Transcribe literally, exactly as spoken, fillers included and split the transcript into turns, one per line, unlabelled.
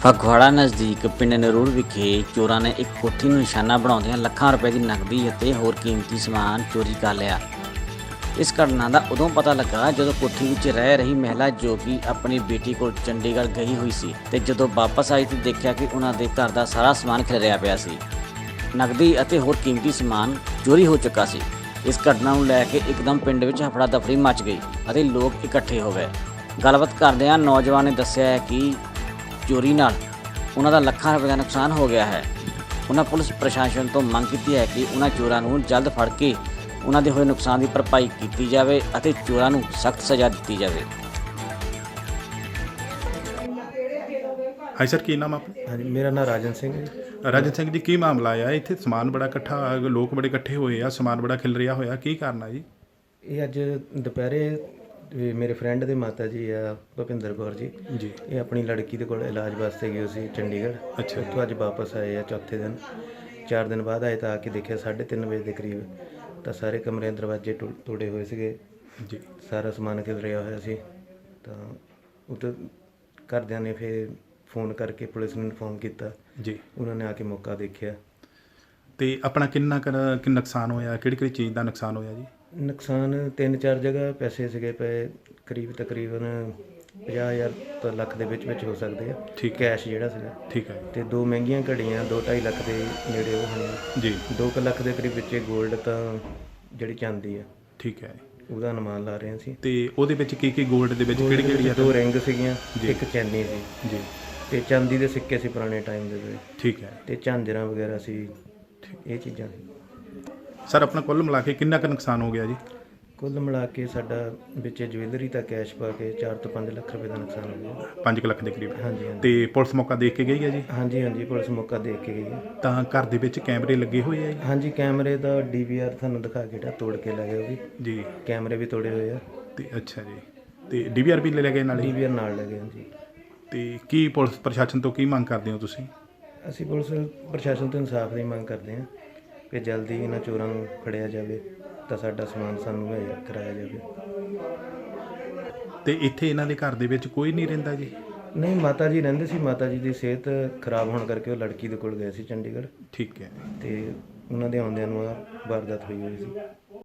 ਫਗਵਾੜਾ ਨਜ਼ਦੀਕ ਪਿੰਡ ਨਰੂੜ ਵਿਖੇ ਚੋਰਾਂ ਨੇ ਇੱਕ ਕੋਠੀ ਨੂੰ ਨਿਸ਼ਾਨਾ ਬਣਾਉਂਦਿਆਂ ਲੱਖਾਂ ਰੁਪਏ ਦੀ ਨਕਦੀ ਅਤੇ ਹੋਰ ਕੀਮਤੀ ਸਮਾਨ ਚੋਰੀ ਕਰ ਲਿਆ। ਇਸ ਘਟਨਾ ਦਾ ਉਦੋਂ ਪਤਾ ਲੱਗਾ ਜਦੋਂ ਕੋਠੀ ਵਿੱਚ ਰਹਿ ਰਹੀ ਮਹਿਲਾ ਜੋ ਕਿ ਆਪਣੀ ਬੇਟੀ ਕੋਲ ਚੰਡੀਗੜ੍ਹ ਗਈ ਹੋਈ ਸੀ ਤੇ ਜਦੋਂ ਵਾਪਸ ਆਈ ਤਾਂ ਦੇਖਿਆ ਕਿ ਉਹਨਾਂ ਦੇ ਘਰ ਦਾ ਸਾਰਾ ਸਮਾਨ ਖਿਲਰਿਆ ਪਿਆ ਸੀ। ਨਕਦੀ ਅਤੇ ਹੋਰ ਕੀਮਤੀ ਸਮਾਨ ਚੋਰੀ ਹੋ ਚੁੱਕਾ ਸੀ। ਇਸ ਘਟਨਾ ਨੂੰ ਲੈ ਕੇ ਇੱਕਦਮ ਪਿੰਡ ਵਿੱਚ ਹਫੜਾ ਦਫੜੀ ਮਚ ਗਈ ਅਤੇ ਲੋਕ ਇਕੱਠੇ ਹੋ ਗਏ। ਗੱਲਬਾਤ ਕਰਦਿਆਂ ਨੌਜਵਾਨ ਨੇ ਦੱਸਿਆ ਹੈ ਕਿ ਚੋਰੀ ਨਾਲ ਉਹਨਾਂ ਦਾ ਲੱਖਾਂ ਰੁਪਏ ਦਾ ਨੁਕਸਾਨ ਹੋ ਗਿਆ ਹੈ। ਉਹਨਾਂ ਪੁਲਿਸ ਪ੍ਰਸ਼ਾਸਨ ਤੋਂ ਮੰਗ ਕੀਤੀ ਹੈ ਕਿ ਉਹਨਾਂ ਚੋਰਾਂ ਨੂੰ ਜਲਦ ਫੜ ਕੇ ਉਹਨਾਂ ਦੇ ਹੋਏ ਨੁਕਸਾਨ ਦੀ ਭਰਪਾਈ ਕੀਤੀ ਜਾਵੇ ਅਤੇ ਚੋਰਾਂ ਨੂੰ ਸਖਤ ਸਜ਼ਾ ਦਿੱਤੀ ਜਾਵੇ।
ਹਾਂਜੀ ਸਰ, ਕੀ ਨਾਮ ਆਪਣਾ?
ਹਾਂਜੀ, ਮੇਰਾ ਨਾਮ ਰਾਜਨ ਸਿੰਘ ਹੈ ਜੀ।
ਰਾਜਨ ਸਿੰਘ ਜੀ, ਕੀ ਮਾਮਲਾ ਆ? ਇੱਥੇ ਸਮਾਨ ਬੜਾ ਇਕੱਠਾ, ਲੋਕ ਬੜੇ ਇਕੱਠੇ ਹੋਏ ਆ, ਸਮਾਨ ਬੜਾ ਖਿਲ ਰਿਹਾ ਹੋਇਆ, ਕੀ ਕਾਰਨ ਆ ਜੀ?
ਇਹ ਅੱਜ ਦੁਪਹਿਰੇ ਵੀ ਮੇਰੇ ਫਰੈਂਡ ਦੇ ਮਾਤਾ ਜੀ ਆ ਭੁਪਿੰਦਰ ਕੌਰ ਜੀ
ਜੀ
ਇਹ ਆਪਣੀ ਲੜਕੀ ਦੇ ਕੋਲ ਇਲਾਜ ਵਾਸਤੇ ਗਏ ਸੀ ਚੰਡੀਗੜ੍ਹ।
ਅੱਛਾ।
ਉੱਥੋਂ ਅੱਜ ਵਾਪਸ ਆਏ ਆ ਚੌਥੇ ਦਿਨ। ਚਾਰ ਦਿਨ ਬਾਅਦ ਆਏ ਤਾਂ ਆ ਕੇ ਦੇਖਿਆ ਸਾਢੇ ਤਿੰਨ ਵਜੇ ਦੇ ਕਰੀਬ ਤਾਂ ਸਾਰੇ ਕਮਰੇ ਦਰਵਾਜ਼ੇ ਟੁ ਤੋੜੇ ਹੋਏ ਸੀਗੇ
ਜੀ
ਸਾਰਾ ਸਮਾਨ ਖਿਲਰਿਆ ਹੋਇਆ ਸੀ। ਤਾਂ ਉੱਥੇ ਘਰਦਿਆਂ ਨੇ ਫਿਰ ਫੋਨ ਕਰਕੇ ਪੁਲਿਸ ਨੂੰ ਇਨਫੋਰਮ ਕੀਤਾ।
ਜੀ
ਉਹਨਾਂ ਨੇ ਆ ਕੇ ਮੌਕਾ ਦੇਖਿਆ।
ਤੇ ਆਪਣਾ ਕਿੰਨਾ ਕੁ ਕਿ ਨੁਕਸਾਨ ਹੋਇਆ? ਕਿਹੜੀ ਕਿਹੜੀ ਚੀਜ਼ ਦਾ ਨੁਕਸਾਨ ਹੋਇਆ ਜੀ?
ਨੁਕਸਾਨ ਤਿੰਨ ਚਾਰ ਜਗ੍ਹਾ ਪੈਸੇ ਸੀਗੇ ਪਏ, ਕਰੀਬ ਤਕਰੀਬਨ ਪੰਜਾਹ ਹਜ਼ਾਰ ਤੋਂ ਲੱਖ ਦੇ ਵਿੱਚ ਵਿੱਚ ਹੋ ਸਕਦੇ ਆ।
ਠੀਕ।
ਕੈਸ਼ ਜਿਹੜਾ ਸੀਗਾ
ਠੀਕ ਹੈ
ਤੇ ਦੋ ਮਹਿੰਗੀਆਂ ਘੜੀਆਂ ਦੋ ਢਾਈ ਲੱਖ ਦੇ ਨੇੜੇ ਉਹ ਹੋਣੀਆਂ।
ਜੀ।
ਦੋ ਕੁ ਲੱਖ ਦੇ ਕਰੀਬ ਵਿੱਚ ਗੋਲਡ ਤਾਂ ਜਿਹੜੀ ਚਾਂਦੀ ਆ
ਠੀਕ ਹੈ।
ਉਹਦਾ ਅਨੁਮਾਨ ਲਾ ਰਹੇ ਸੀ।
ਤੇ ਉਹਦੇ ਵਿੱਚ ਕੀ ਕੀ ਗੋਲਡ ਦੇ ਵਿੱਚ ਕਿਹੜੀ ਕਿਹੜੀ ਆ?
ਦੋ ਰਿੰਗ ਸੀਗੀਆਂ,
ਜੀ।
ਇੱਕ ਚੈਨੀ ਸੀ
ਜੀ
ਤੇ ਚਾਂਦੀ ਦੇ ਸਿੱਕੇ ਸੀ ਪੁਰਾਣੇ ਟਾਈਮ ਦੇ ਵਿੱਚ
ਠੀਕ ਹੈ।
ਤੇ ਝਾਂਜਰਾਂ ਵਗੈਰਾ ਸੀ, ਇਹ ਚੀਜ਼ਾਂ ਸੀ।
ਸਰ, ਆਪਣਾ ਕੁੱਲ ਮਿਲਾ ਕੇ ਕਿੰਨਾ ਕੁ ਨੁਕਸਾਨ ਹੋ ਗਿਆ ਜੀ?
ਕੁੱਲ ਮਿਲਾ ਕੇ ਸਾਡਾ ਵਿੱਚ ਜਵੈਲਰੀ ਤਾਂ ਕੈਸ਼ ਪਾ ਕੇ ਚਾਰ ਤੋਂ ਪੰਜ ਲੱਖ ਰੁਪਏ ਦਾ ਨੁਕਸਾਨ ਹੋ ਗਿਆ।
ਪੰਜ ਕੁ ਲੱਖ ਦੇ ਕਰੀਬ।
ਹਾਂਜੀ ਹਾਂਜੀ
ਤੇ ਪੁਲਿਸ ਮੌਕਾ ਦੇਖ ਕੇ ਗਈ ਹੈ ਜੀ?
ਹਾਂਜੀ ਹਾਂਜੀ ਪੁਲਿਸ ਮੌਕਾ ਦੇਖ ਕੇ ਗਈ ਹੈ।
ਤਾਂ ਘਰ ਦੇ ਵਿੱਚ ਕੈਮਰੇ ਲੱਗੇ ਹੋਏ ਆ ਜੀ?
ਹਾਂਜੀ, ਕੈਮਰੇ ਦਾ ਡੀ ਵੀ ਆਰ ਤੁਹਾਨੂੰ ਦਿਖਾ ਕੇ ਜਿਹੜਾ ਤੋੜ ਕੇ ਲੈ ਗਏ ਉਹ ਵੀ।
ਜੀ।
ਕੈਮਰੇ ਵੀ ਤੋੜੇ ਹੋਏ ਆ
ਤੇ ਅੱਛਾ ਜੀ, ਤੇ ਡੀ ਵੀ ਆਰ ਵੀ ਲੈ ਗਏ ਨਾਲੇ?
ਡੀ ਵੀ ਆਰ ਨਾਲ ਲੈ ਗਏ। ਹਾਂਜੀ।
ਤੇ ਕੀ ਪੁਲਿਸ ਪ੍ਰਸ਼ਾਸਨ ਤੋਂ ਕੀ ਮੰਗ ਕਰਦੇ ਹੋ ਤੁਸੀਂ?
ਅਸੀਂ ਪੁਲਿਸ ਪ੍ਰਸ਼ਾਸਨ ਤੋਂ ਇਨਸਾਫ ਦੀ ਮੰਗ ਕਰਦੇ ਹਾਂ ਕਿ ਜਲਦੀ ਇਹਨਾਂ ਚੋਰਾਂ ਨੂੰ ਫੜਿਆ ਜਾਵੇ ਤਾਂ ਸਾਡਾ ਸਮਾਨ ਸਾਨੂੰ ਮੁਹੱਈਆ ਕਰਾਇਆ ਜਾਵੇ।
ਤੇ ਇੱਥੇ ਇਹਨਾਂ ਦੇ ਘਰ ਦੇ ਵਿੱਚ ਕੋਈ ਨਹੀਂ ਰਹਿੰਦਾ ਜੀ?
ਨਹੀਂ, ਮਾਤਾ ਜੀ ਰਹਿੰਦੇ ਸੀ। ਮਾਤਾ ਜੀ ਦੀ ਸਿਹਤ ਖਰਾਬ ਹੋਣ ਕਰਕੇ ਉਹ ਲੜਕੀ ਦੇ ਕੋਲ ਗਏ ਸੀ ਚੰਡੀਗੜ੍ਹ
ਠੀਕ ਹੈ।
ਤੇ ਉਹਨਾਂ ਦੇ ਆਉਂਦਿਆਂ ਨੂੰ ਆਹ ਵਾਰਦਾਤ ਹੋਈ ਹੋਈ ਸੀ।